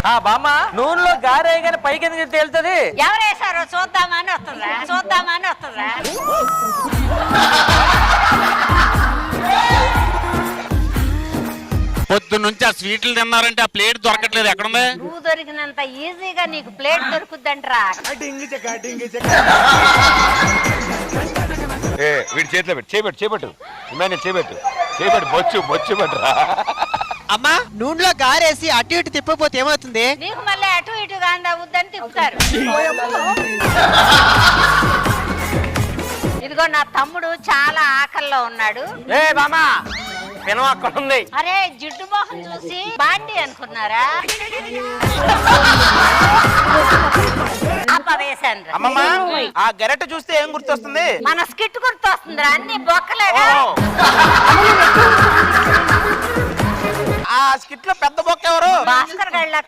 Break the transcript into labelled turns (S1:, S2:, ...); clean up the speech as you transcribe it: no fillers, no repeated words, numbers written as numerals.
S1: బామ్మ నూనెలో గారేగానే పైకి ఎందుకు తేలుతుంది?
S2: ఎవరేసారో చూద్దామని వస్తుందా
S3: పొద్దు నుంచి ఆ స్వీట్లు తిన్నారంటే ఆ ప్లేట్ దొరకట్లేదు. ఎక్కడుంది?
S2: నువ్వు దొరికినంత ఈజీగా నీకు ప్లేట్ దొరుకుద్దంట్రా.
S4: వీడి చేతిలో పెట్టు, చేపెట్టు చేపెట్టు బొచ్చు పట్టురా.
S5: అమ్మా నూనెలో గారేసి అటు ఇటు తిప్పపోతే ఏమవుతుంది?
S2: నీకు మళ్ళీ అటు ఇటుగా వద్దని తిప్పుతారు. ఇదిగో నా తమ్ముడు చాలా ఆకల్లో ఉన్నాడు.
S1: బామ్మ పినం అక్కడ ఉంది.
S2: అరే జిడ్డు మొహం చూసి బాండి అనుకున్నారా? వేసాను.
S1: అమ్మమ్మ ఆ గెరెట్ చూస్తే ఏం గుర్తొస్తుంది?
S2: మన స్కిట్ గుర్తొస్తుందిరా, అన్ని బొక్కలేగా.
S1: ఆ స్కిట్ లో పెద్ద బొక్క ఎవరు?
S2: భాస్కర్ గళ్ళ